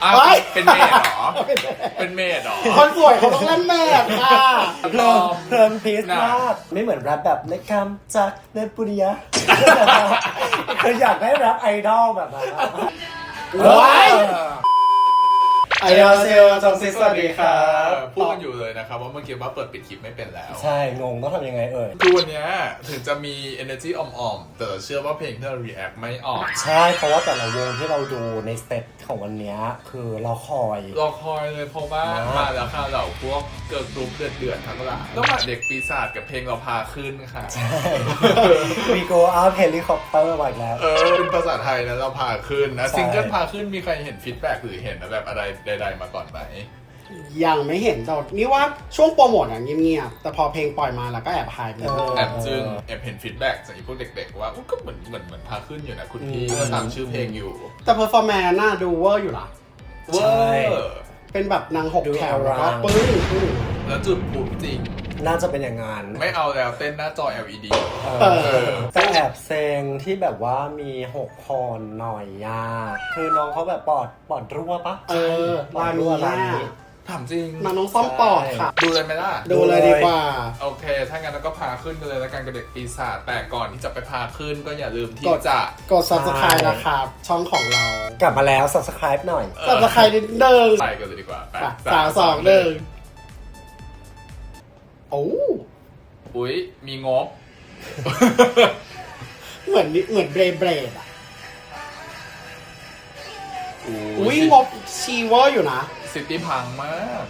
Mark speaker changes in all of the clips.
Speaker 1: อ้าวเป็นเมดเหรอเป็นเมดเหรอ
Speaker 2: คนสวยเขาต้องเล่นเมดค่ะ
Speaker 3: เพลินพีซมากไม่เหมือนแรปแบบเล็กคำจากเนปุริยะคืออยากได้แรปไอดอลแบบนั้น
Speaker 2: ว้ายไอดอลเซลจงซิสวัสดีครับ
Speaker 1: พูดกันอยู่เลยนะครับว่าเมื่อกี้ว่าเปิดปิดคลิปไม่เป็นแล้ว
Speaker 3: ใช่งงต้องทำยังไง
Speaker 1: คือวันนี้ถึงจะมี energy อ่อมๆแต่เชื่อว่าเพลงที่เรา react ไม่ออก
Speaker 3: ใช่เพราะว่าแต่ละวงที่เราดูในสเตตของวันนี้คือเราคอย
Speaker 1: เลยเพราะว่ามาแล้วค่ะเราพวกเกิร์ลกรุ๊ปเดือดทั้งหลายต้องมาเด็กปีศาจกับเพลงเราพาขึ้นค่ะ
Speaker 3: ใช่มีโกอาร์เฮลิคอปเตอร์มาอีกแล้ว
Speaker 1: เป็นภาษาไทยนะเราพาขึ้นนะซิงเกิลพาขึ้นมีใครเห็นฟีดแบ็กหรือเห็นแบบอะไรใดๆมาก่อนไหม
Speaker 2: ยังไม่เห็นแต่นี่ว่าช่วงโปรโมทอย่างเงียบๆแต่พอเพลงปล่อยมาแล้วก็แอบหายไป
Speaker 1: แอบจึงแอบเห็นฟีดแบ็กจากพวกเด็กๆว่าก็เหมือนพาขึ้นอยู่นะคุณพี่ก็ตามชื่อเพลงอยู่
Speaker 2: แต่เพอร์ฟอร์แมนซ์น่าดูเวอร์อยู่นะ
Speaker 1: เวอร์
Speaker 2: เป็นแบบนาง6แถวแล้วก็ปึ้ง
Speaker 1: แล้วจุดปุ๊บจริง
Speaker 3: น่าจะเป็นอย่างงาน
Speaker 1: ไม่เอาแล้วเต้นหน้าจอ LED
Speaker 3: แต่แอบเซงที่แบบว่ามี6คนหน่อยคือน้องเขาแบบปอดรั่วปะ
Speaker 2: ปอดรั่วร้านนี้
Speaker 1: ถามจริง
Speaker 2: น้องซ่อมปอดค่ะ
Speaker 1: ดูเลยไหมล่ะ
Speaker 2: ดูเลยดีกว่า
Speaker 1: โอเคถ้างั้นเราก็พาขึ้นกันเลยแล้วกันกับเด็กปีศาจแต่ก่อนที่จะไปพาขึ้นก็อย่าลืมที่จะ
Speaker 2: กด subscribe นะครับช่องของเรา
Speaker 3: กลับมาแล้ว subscribe หน่อย
Speaker 2: subscribe นิดนึง
Speaker 1: ไปกันเลยดีกว่า
Speaker 2: 3 2 1โอ้
Speaker 1: อุ๊ยมีงบ
Speaker 2: เหมือนเบรดอ่ะอุ้ยงบชีเวอร์อยู่นะ
Speaker 1: ซิตี้พังมาก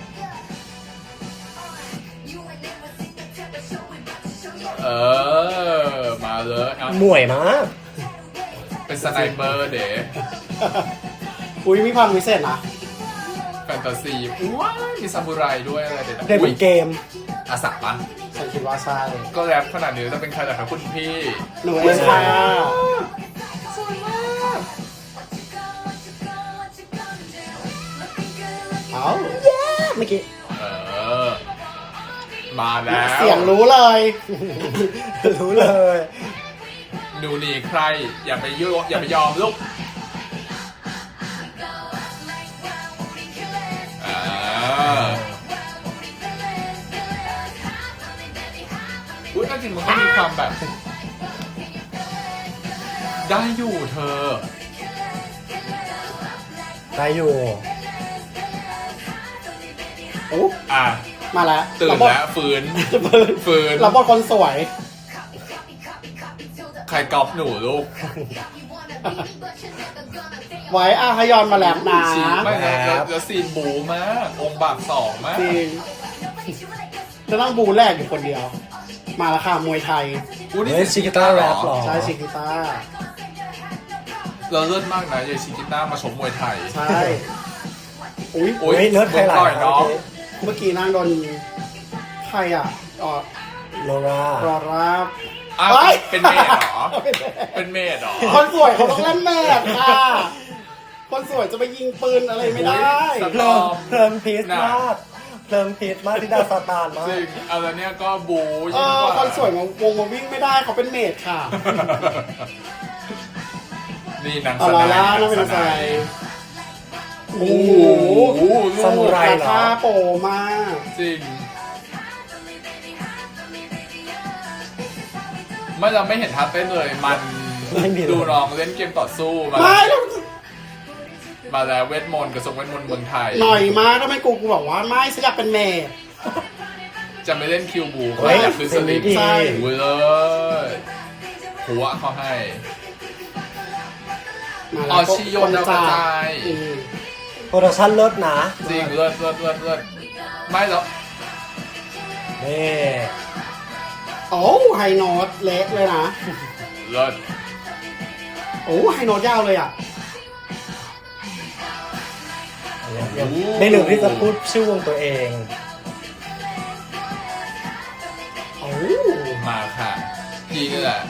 Speaker 1: มาเลย
Speaker 3: หน่วยมาก
Speaker 1: เป็นสไนเปอร์เด๋
Speaker 2: อุ้ยมีความพิเศษนะ
Speaker 1: แฟนตาซีว้ามีซามูไรด้วยอะไรเด็ด
Speaker 3: ได้เป็นเกม
Speaker 1: อาสาปะ
Speaker 2: ฉันคิดว่าใช่
Speaker 1: ก็แรปขนาดนี้จะเป็นใครล่ะครับคุณพี่
Speaker 2: หนูเองค่ะ
Speaker 1: สวยมาก
Speaker 2: เอาเมื่อกี้
Speaker 1: มาแล้ว
Speaker 2: เสียงรู้เลย
Speaker 1: หนูหนีใครอย่าไปยุ่งอย่าไปยอมลูกอุ้ยจริงมันก็มีความแบบได้อยู่เธอ
Speaker 3: ได้อยู่
Speaker 2: โอ้มาแล้ว
Speaker 1: ตื่นแล้วฝืน
Speaker 2: เราบอลคนสวย
Speaker 1: ใครกอบหนูลูก
Speaker 2: ไว้ฮยอนมาแล้วนะ
Speaker 1: ไม่แล้วซีนบูมากองค์บาก2มาก
Speaker 2: จริงจะต้องบูแรกอยู่คนเดียวมาแล้วค่ะมวยไทย
Speaker 3: นี่ชิกิต้าแรปหรอ
Speaker 2: ใช่ชิกิต้า
Speaker 1: เราเลิศมากนะยายชิกิต้ามาชมมวยไทย
Speaker 2: ใช่อุ้
Speaker 3: ยเลิศไทยหลาย
Speaker 1: น้อง
Speaker 2: เมื่อกี้นั่งโดนใครอ่ะ
Speaker 3: โลรา
Speaker 1: เป็นเมดเหรอเป็นเมดเหรอ
Speaker 2: คนสวยเขาต้องเล่นเมดค่ะคนสวยจะไปยิงปืนอะไรไม่ได้
Speaker 3: เพลินพีซมากที่ดาซาตานมาก
Speaker 1: จริงเอาแล้วเนี่ยก็บู
Speaker 2: คนสวยมาวงมาวิ่งไม่ได้เขาเป็นเมดค่ะ
Speaker 1: นี่นาง
Speaker 2: สไนน่าเป็นสไนโอ้โห
Speaker 3: ซามูไรเหรอ
Speaker 2: ท่าโปมาก
Speaker 1: จริงไม่เราไม่เห็นท่าเต้นเลยมันดูน้องเล่นเกมต่อสู้มาแล้วเวทมนต์กระทรวงเวทมนต์เมืองไทย
Speaker 2: หน่อยมาทำไมกูบอกว่าไม่ฉันอยากเป็นเมย์
Speaker 1: จะไม่เล่นคิวบูเขาอยากเป็นสลิป
Speaker 2: ใช่
Speaker 1: เลยหัวเขาให้ชิโยนดาวกระจาย
Speaker 3: โปรดักชั่นเลิศนะ
Speaker 1: จริงเลิศไม่หรอก
Speaker 3: นี่
Speaker 2: โอ้ไฮโน้ตเล็กเลยนะ
Speaker 1: เลิศ
Speaker 2: โอ้ไฮโน้ตยาวเลยอ่ะ
Speaker 3: ไม่ลืมที่จะพูดชื่อวงตัวเอง
Speaker 2: โอ้
Speaker 1: มาค่ะพี่นี่แหละ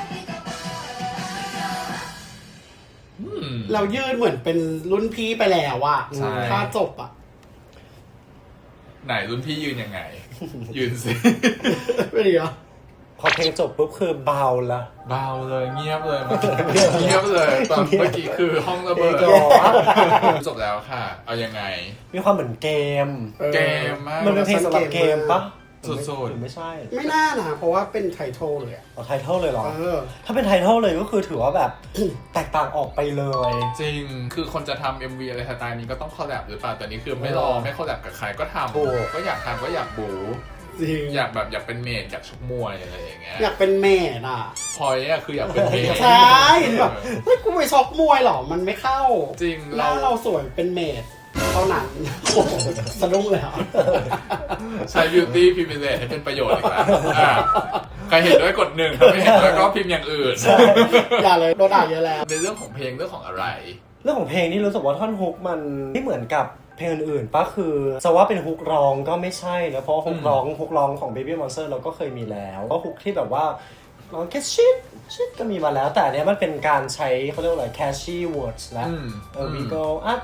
Speaker 2: เรายืนเหมือนเป็นรุ่นพี่ไปแล้วอ่ะถ้าจบอ่ะ
Speaker 1: ไหนรุ่นพี่ยืนยังไงยืนสิ
Speaker 2: ไม่ดีเหรอ
Speaker 3: พอเพลงจบปุ๊บคือเบาละ
Speaker 1: เบาเลยเงียบเลยเมื่อกี้เงียบเลยตอนเมื่อกี้คือห้องระเบิด
Speaker 3: เงียบ
Speaker 1: จบแล้วค่ะ เอายังไง
Speaker 3: มีความเหมือนเกม
Speaker 1: เกมมาก
Speaker 3: มันเป็นเพลงสำหรับเกมปะ
Speaker 1: สุดๆ
Speaker 3: หรือไม่ใช่
Speaker 2: ไม่น่านะเพราะว่าเป็นไททอลเลยอะ
Speaker 3: เอาไทเทลเลยเหรอ
Speaker 2: เออ
Speaker 3: ถ้าเป็นไทเทลเลยก็คือถือว่าแบบ แตกต่างออกไปเลย
Speaker 1: จริง คือคนจะทำ MV อะไรสไตล์นี้ก็ต้องคอลแลบหรือเปล่า แต่นี่คือไม่รอไม่คอลแลบกับใครก็ท
Speaker 3: ถูก
Speaker 1: ำก็อยากทำก็อยากบู
Speaker 2: จริง
Speaker 1: อยากเป็นเมดอยากชกมวยอะไรอย่างเงี้ย
Speaker 2: อยากเป็นเมดอ่ะ
Speaker 1: พอยอะคืออยากเป็นเมด
Speaker 2: ใช่แบบเฮ้ยกูไปชกมวยเหรอมันไม่เข้า
Speaker 1: จริง
Speaker 2: หน้าเราสวยเป็นเมดเท่านั้นโอ้โหสะดุ้งเลยอ่ะ
Speaker 1: ใช้ beauty privilege ให้เป็นประโยชน์อีกแล้วอ่ะใครเห็นด้วยกดหนึ่งถ้าไม่เห็นด้วยก็พิมพ์อย่างอื่น
Speaker 2: อย่าเลยโดนด่าเยอะแล้ว
Speaker 1: ในเรื่องของเพลงเรื่องของอะไร
Speaker 3: เรื่องของเพลงนี่รู้สึกว่าท่อนฮุกมันไม่เหมือนกับเพลงอื่นๆปะคือจะว่าเป็นฮุกร้องก็ไม่ใช่นะเพราะฮุกร้องของ Baby Monster เราก็เคยมีแล้วก็ฮุกที่แบบว่าร้องแค่ชิดก็มีมาแล้ว แต่อันเนี้ยมันเป็นการใช้เขาเรียกว่าอะไร catchy words แล้วwe go up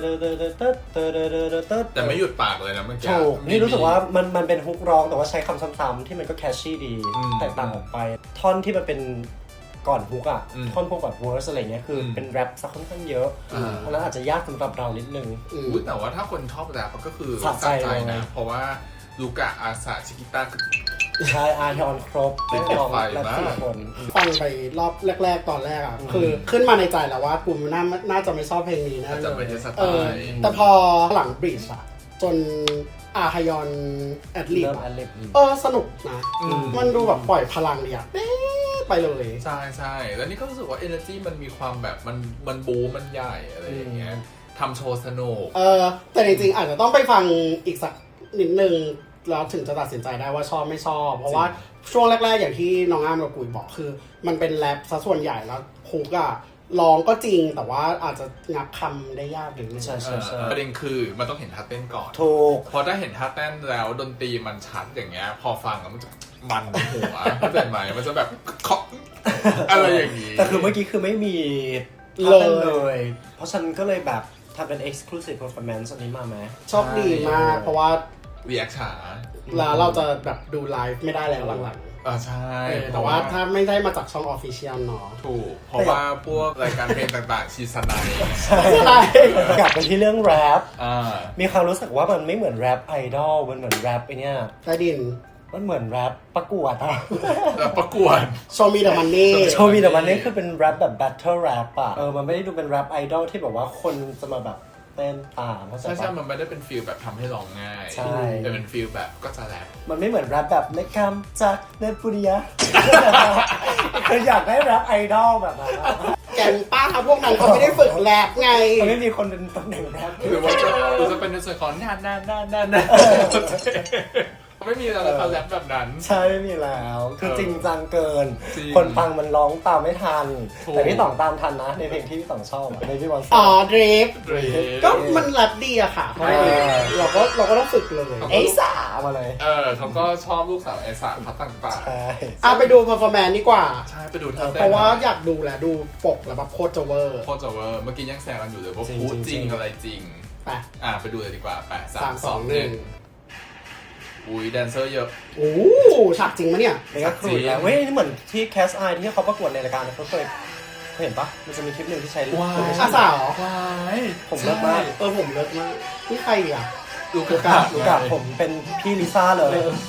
Speaker 1: แต่ไม่หยุดปากเลยนะเมื่อกี้
Speaker 3: ถูกนี่รู้สึกว่ามันเป็นฮุกร้องแต่ว่าใช้คำซ้ำๆที่มันก็ catchy ดีแตกต่างออกไปท่อนที่มันเป็นก่อนฮุกอ่ะท่อนพวกแบบ verse อะไรเงี้ยคือเป็นแรปซะค่อนข้างเยอะเพราะนั้นอาจจะยากสำหรับเรานิดนึง
Speaker 1: อุ๊ยแต่ว่าถ้าคนชอบแรปก็คือ
Speaker 3: สะใจเลย
Speaker 1: นะ เพราะว่าลูกะอาสาชิกิต้า
Speaker 3: ใช่อาร์ทอนครบ
Speaker 1: ติด
Speaker 3: ได้ลอง
Speaker 1: ไฟ
Speaker 3: และ
Speaker 1: มาก
Speaker 3: สี่คน
Speaker 2: ฟังไปรอบแรกๆตอนแรกอ่ะคือขึ้นมาในใจแล้วว่ากูน่าจะไม่ชอบเพลงนี้นะ
Speaker 1: อาจจะไม่ใช่สไต
Speaker 2: เออ
Speaker 1: ล์
Speaker 2: แต่พอหลังบริดจ์อะจนอาฮยอนแอดลิบ
Speaker 3: เริ่มอันเล็บ
Speaker 2: สนุกนะ มันดูแบบปล่อยพลังเลยอะเด้ไปเลย
Speaker 1: ใช่ใช่แล้วนี่ก็รู้สึกว่า energy มันมีความแบบมันบูมันใหญ่อะไรอย่างเงี้ยทำโชว์สนุก
Speaker 2: แต่จริงๆอาจจะต้องไปฟังอีกสักนิดนึงแล้วถึงจะตัดสินใจได้ว่าชอบไม่ชอบ เพราะว่าช่วงแรกๆอย่างที่น้องอ้ามกับกุยบอกคือ มันเป็นแรปซะส่วนใหญ่แล้วฮุกอะร้องก็จริงแต่ว่าอาจจะงับคำได้ยากนิดนึง
Speaker 3: ใช่ใช่ใช่
Speaker 1: ประเด็นคือมันต้องเห็นท่าเต้นก่อน
Speaker 3: ถูก
Speaker 1: พอถ้าเห็นท่าเต้นแล้วดนตรีมันชัดอย่างเงี้ย พอฟังแล้วมันจะมันหัวเข้าใจไหมมันจะแบบเคาะอะไรอย่างงี้
Speaker 3: แต่คือเมื่อกี้คือไม่มี
Speaker 2: เลย
Speaker 3: ท่าต้นเลย เพราะฉะนันก็เลยแบบทำเป็น exclusive performance อันนี้มาไหม
Speaker 2: โชคดีมากเพราะว่า
Speaker 1: รีแอคช้า
Speaker 2: แล้วเราจะแบบดูไลฟ์ไม่ได้แล้วหลัง
Speaker 1: ใช่
Speaker 2: ๆแต่ว่าถ้าไม่ได้มาจากช่องออฟฟิเชียลเนาะ
Speaker 1: ถูก เพราะว่าพวกรายการเพลงต่างๆ ชีสไนด์
Speaker 3: ใช่
Speaker 2: ใช่
Speaker 3: กลับไปที่เรื่องแรป
Speaker 1: อ่า
Speaker 3: มีความรู้สึกว่ามันไม่เหมือนแรปไอดอลมันเหมือนแรปไอเนี้ย
Speaker 2: ใต้ดิน
Speaker 3: มันเหมือนแรปประกวดอะ
Speaker 1: แล้วประกวด
Speaker 2: โชว์มีเดอะมันนี่
Speaker 3: โชว์มีแต่มันนี่คือเป็นแรปแบบ battle rap อะมันไม่ได้ดูเป็นแรปไอดอลที่แบบว่าคนจะมาแบบเต้นตามเข้าใจ
Speaker 1: ใช่ใช่
Speaker 3: ปะ
Speaker 1: มันไม่ได้เป็นฟีลแบบทำให้ร้องง่าย
Speaker 3: ใช่
Speaker 1: แต่เป็นฟีลแบบก็จะแรป
Speaker 3: มันไม่เหมือนแรปแบบในคำจากในปุริยะ คืออยากได้แรปไอดอลแบบนั้นอะ
Speaker 2: แกงป้าพวกนั้นเขาไม่ได้ฝึกแรปไง
Speaker 3: มันไม่มีคนเป็นตำแหน่งแรป
Speaker 1: หรือว่าจะเป็นในส่วนของนานไม่มีอะไรเขาแรปแบบนั้น
Speaker 3: ใช่ไม่มีแล้ว คือจริงจังเกิน
Speaker 1: จริง
Speaker 3: คนฟังมันร้องตามไม่ทัน
Speaker 1: ถูก
Speaker 3: แต่พี่ต่องตามทันนะ ในเพลงที่พี่ต่องชอบในพี่บอล
Speaker 2: อ๋อดริฟ
Speaker 1: เร
Speaker 2: ก็มันแรปดีอะค่ะเพราะเราก็ต้องฝึกเลย
Speaker 3: เอ้ยสามาเลย
Speaker 1: เขาก็ชอบลูกสาวไอสารพัดต่าง
Speaker 3: ใช่
Speaker 2: ไปดูเพอร์ฟอร์แมนซ์ดีกว่า
Speaker 1: ๆใช่ไปดูท่าเต้น
Speaker 2: เพราะว่าอยากดูแหละดูปกแล้วแบบโคตรจะเวอร์
Speaker 1: โคตรจะเวอร์เมื่อกี้ยังแซวกันอยู่เลยว่าพูดจริงอะไรจริง
Speaker 2: ไป
Speaker 1: ไปดูเลยดีกว่า8
Speaker 2: 3
Speaker 1: 3 2 1อุ้ยแดนเซอร์เยอะ
Speaker 2: โอ้ฉากจริงมะเนี่ย
Speaker 3: เมกาครูดแล้วเว้ยนี่เหมือนที่แคสไอที่เขาประกวดในรายการเขาเคยเห็นปะมันจะมีคลิปหนึ่งที่ใช้
Speaker 1: ว้าว
Speaker 2: อาสาว
Speaker 1: วาย
Speaker 3: ผมเลิศมาก
Speaker 2: ผมเลิศมากนี่ใครอ่ะ
Speaker 1: ลูก
Speaker 3: ลูกกับผมเป็นพี่ลิซ่าเลย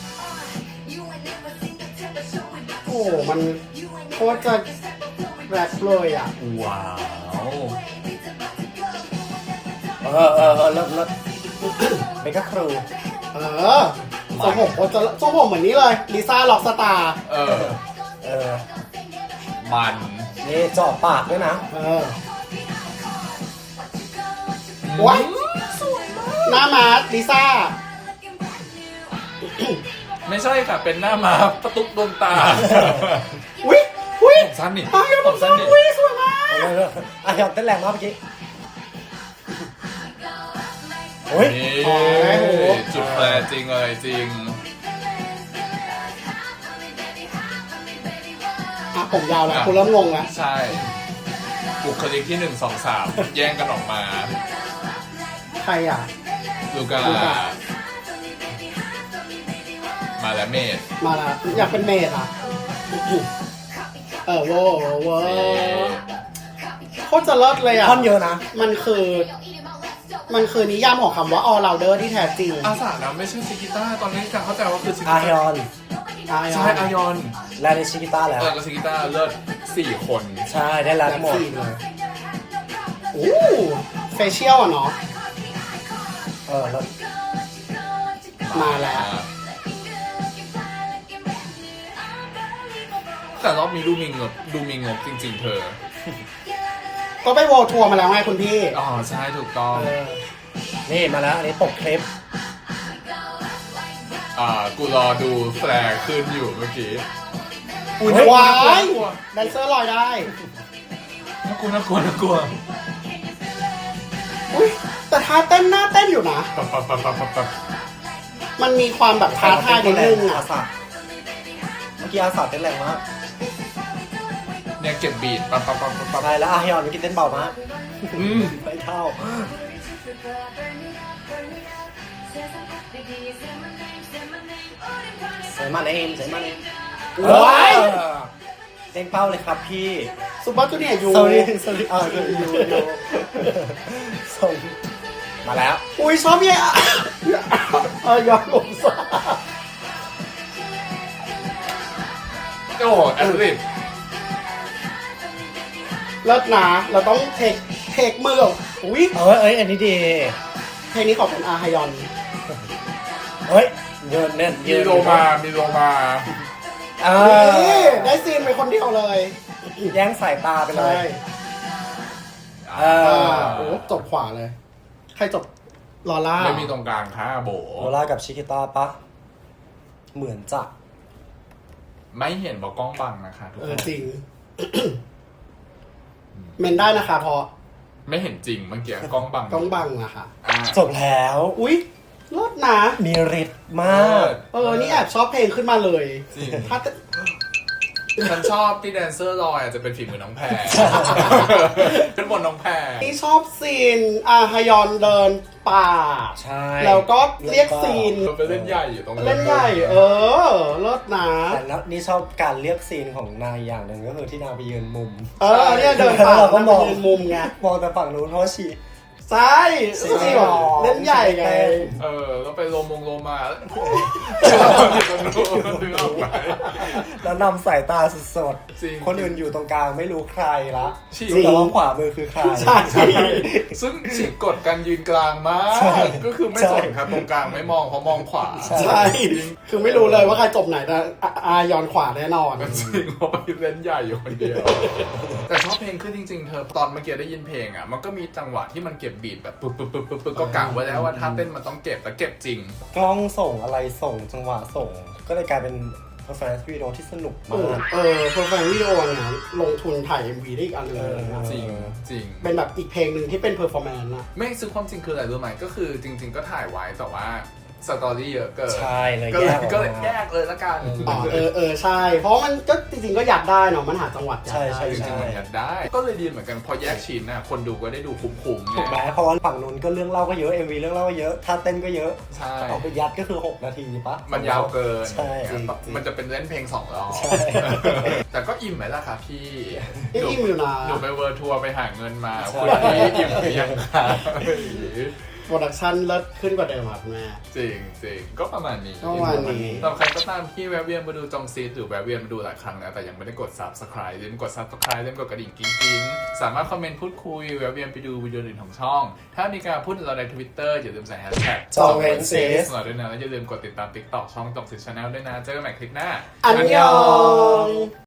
Speaker 2: โอ้มันโคตรจะแรปเลยอ่ะ
Speaker 1: ว้าว
Speaker 3: เลิศเมกาครู
Speaker 2: ทรงผมโคตรจะทรงผมเหมือนนี้เลยลิซ่าล็อกสตาร์
Speaker 1: มัน
Speaker 3: นี่เจาะปากด้วยนะ
Speaker 2: ว้ายหน้ามาร์ลิซ่า
Speaker 1: ไม่ใช่ค่ะเป็นหน้าม้าประตุกดวงตา
Speaker 2: วิวิ
Speaker 1: ผมสั้นนี่
Speaker 2: อ้าว
Speaker 1: ผมสั้นนี่
Speaker 2: วิสวยมาก
Speaker 3: อ่ะยอมเต้นแรงมากเมื่อกี้โอ้ย
Speaker 1: นี่จุดแปรจริงเลยจริง
Speaker 2: ผมยาวแล้วคุณเริ่มงงแล้ว
Speaker 1: ใช่บุคลิกที่1 2 3 แย่งกันออกมา
Speaker 2: ใครอ่ะ
Speaker 1: ลูกามาแล้วเมด
Speaker 2: มาละอยากเป็นเมดอ่ะโว้โว้โคตรจะเลิศเลยอ่ะ
Speaker 3: ท่อนเยอะนะ
Speaker 2: มันคือนิยามของคำว่า all rounder ที่แท้จริง
Speaker 1: อาสานะไม่ใช่ซิกิต้าตอนนี้การเข้าใจว่าคือซิกิ
Speaker 3: อา
Speaker 1: ต้า
Speaker 3: ฮยอน
Speaker 1: ใช่อายอน
Speaker 3: และในชิกิต้าแล้ว
Speaker 1: แล้วซิกิต้าเลิศ4 คน
Speaker 3: ใช่ได้แล้ว
Speaker 2: แบบ
Speaker 3: หมด
Speaker 2: สี่เลยโอ้เฟเชียลอ่ะเนาะ
Speaker 3: แล้ว
Speaker 2: มาแล้ว
Speaker 1: แต่รอบนี้ดูมีงบจริงๆเธอ
Speaker 2: ก็ไปโวลทัวร์มาแล้วไงคุณพี่
Speaker 1: อ๋อใช่ถูกต้อง
Speaker 3: นี่มาแล้วอันนี้ปกคลิป
Speaker 1: กูรอดูแฟร์ขึ้นอยู่เมื่อกี้
Speaker 3: อุ๊ย
Speaker 2: ว้าย
Speaker 1: น่ากลัว
Speaker 2: แดนเซอร์ลอยได้
Speaker 1: น่ากลัวน่ากลัวน่ากลัว
Speaker 2: อุ้ยแต่ท่าเต้นหน้าเต้นอยู่นะ
Speaker 1: ปั๊บ
Speaker 2: มันมีความแบบท้าทายนิดนึงอ่ะ
Speaker 3: อาสาเมื่อกี้อาสาเต้นแรงมาก
Speaker 1: เนี่ยเก็บบีทปั๊บ
Speaker 3: ใช่แล้วอาฮยอนเมื่อกี้เต้นเบามาก
Speaker 1: อืม
Speaker 3: ไม่เท่าใส่มาเองใส่มาเอง
Speaker 2: ว้าย
Speaker 3: เต้นเป้าเลยครับพี่
Speaker 2: ซูเปอร์จูเนียร์ยู
Speaker 3: sorry อยู่ส่งมาแล้ว
Speaker 2: อุ้ยชอบเนี่ยยอมลงซะ
Speaker 1: โอ้โหแอดลิป
Speaker 2: เลิศนะเราต้องเทคมืออุ้ย
Speaker 3: อันนี้ดี
Speaker 2: เพลงนี้ขอบคุณอาฮยอน
Speaker 3: เฮ้ยเยินเน่น
Speaker 1: มีโลมา
Speaker 2: นี่ได้ซีนไปคนเดียวเลย
Speaker 3: แย่งสายตาไปเล
Speaker 2: ใช่
Speaker 3: ย
Speaker 2: โอ้จบขวาเลย ใครจบลอล่า
Speaker 1: ไม่มีตรงกลางค่ะโบ
Speaker 3: โอล่ากับชิคิต้าปะเหมือนจะ
Speaker 1: ไม่เห็นบอกกล้องบังนะคะทุกคน
Speaker 2: จริง เมนได้นะคะเพราะ
Speaker 1: ไม่เห็นจริงเมื่อกี้กล้องบัง
Speaker 2: ต้องบังอะค่ะ
Speaker 1: อ่ะ
Speaker 3: จบแล้ว
Speaker 2: อุ๊ยเลิศนะ
Speaker 3: มีฤทธิ์มาก
Speaker 2: นี่แอบชอบเพลงขึ้นมาเลย
Speaker 1: จริง
Speaker 2: ถ้า
Speaker 1: ฉันชอบที่แดนเซอร์ลอยอาจจะเป็นฝีมือน้องแพรขึ้นบนน้องแพร
Speaker 2: ที่ชอบซีนอาฮยอนเดินป่า
Speaker 3: ใช่
Speaker 2: แล้วก็เรียกซีน
Speaker 1: ไปเล่นใหญ่อยู่ตรงนั้น
Speaker 2: เล่นใหญ่ เลิศนะ
Speaker 3: แต่แล้วนี่ชอบการเรียกซีนของนายอย่างหนึ่งก็คือที่นางไปยืนมุม
Speaker 2: เนี่ยเดินป่า
Speaker 3: เราก็มอง
Speaker 2: ยืนมุมไง
Speaker 3: มองแต่ฝั่งนู้นเพราะว่าชี
Speaker 2: ใช่ซีแบบเล่นใหญ่ไง
Speaker 1: แล้วไปโลมาอยู่ตรงนู้นดึงออกไป
Speaker 3: แล้วนำสายตาสด
Speaker 1: จริง
Speaker 3: ๆคนอื่นอยู่ตรงกลางไม่รู้ใครละ
Speaker 1: จริง
Speaker 3: รู้แต่ว่าขวามือคือใคร
Speaker 2: ใช่
Speaker 1: ซึ่งฉีกกดการยืนกลางมาก
Speaker 3: ใช่
Speaker 1: ก็คือไม่สนครับตรงกลางไม่มองเพราะมองขวา
Speaker 2: ใช่ คือไม่รู้เลยว่าใครจบไหนแต่อายอนขวาแน่นอน
Speaker 1: จริงเพราะไปเล่นใหญ่อยู่คนเดียว แต่ชอบเพลงขึ้นจริงๆ เธอตอนเมื่อกี้ได้ยินเพลงอ่ะมันก็มีจังหวะที่มันเก็บบีทแบบปึ๊บก็กะไว้แล้วว่าถ้าเต้นมันต้องเก็บแต่เก็บจริง
Speaker 3: กล้องส่งอะไรส่งจังหวะส่ง ก็เลยกลายเป็น performance video ที่สนุกมาก
Speaker 2: เพอร์แฟนวิดีโอเนี่ยลงทุนถ่าย MV ได้อีกอันหนึงเลยนะ
Speaker 1: จริงจริง
Speaker 2: เป็นแบบอีกเพลงหนึ่งที่เป็นเพอร์ฟอร์แมนซ์อะ
Speaker 1: ไม่ซื้อความจริงคืออะไรรู้ไหมก็คือจริง ๆ ก็ถ่ายไว้แต่ว่าสตอรี่เยอะเกิน
Speaker 3: ใช่เลย
Speaker 1: ก็
Speaker 3: แย
Speaker 1: เลย
Speaker 3: กออก
Speaker 1: ก็เลย
Speaker 3: มา
Speaker 1: แยกเลยละกัน
Speaker 2: ใช่ เพราะมันก็จริงๆก็อยากได้เนาะมันหาจังหวัดอยากได้
Speaker 3: ใช่
Speaker 1: จริงๆมันอยากได้ ก็เลยดีเหมือนกันพอแยกชิ้นน่ะคนดูก็ได้ดูคุ้มๆ
Speaker 3: ถูกไหม
Speaker 1: ไง
Speaker 3: เพราะว่าฝั่งนู้นก็เรื่องเล่าก็เยอะ MV เรื่องเล่าก็เยอะท่าเต้นก็เยอะ
Speaker 1: ใช่
Speaker 3: เอาไปยัดก็คือ 6 นาทีปะ
Speaker 1: มันยาวเกิน
Speaker 3: ใช่
Speaker 1: มันจะเป็นเล่นเพลง2 รอบ
Speaker 3: ใช่
Speaker 1: แต่ก็อิ่มไหมล่ะคะพี่
Speaker 2: อิ่มอยู่นะ
Speaker 1: หนูไปเวิร์ทัวร์ไปหาเงินมา
Speaker 3: ใช่
Speaker 1: คุณพี่อิ่มหรือยังคะ
Speaker 2: โปรดักชั่นเลิศขึ้นกว่าเดิมครับแม่
Speaker 1: จริงจริงก็ประมาณนี้
Speaker 2: ก็ประมาณนี้
Speaker 1: สำหรับใครก็ตามที่แวะเวียนมาดูจองซีดหรือแวะเวียนมาดูหลายครั้งแล้วแต่ยังไม่ได้กด subscribe อย่าลืมกด subscribe อย่าลืมกดกระดิ่งกิ๊งๆสามารถคอมเมนต์พูดคุยแวะเวียนไปดูวิดีโออื่นของช่อง ถ้ามีการพูดถึงเราใน Twitter อย่าลืมใส่แฮชแท็ก
Speaker 3: จองเวนซิส
Speaker 1: เราด้วยนะแล้วอย่าลืมกดติดตาม TikTok ช่องจองซีด Channel ด้วยนะเจอกันใหม่คลิปหน้า
Speaker 2: อันยอง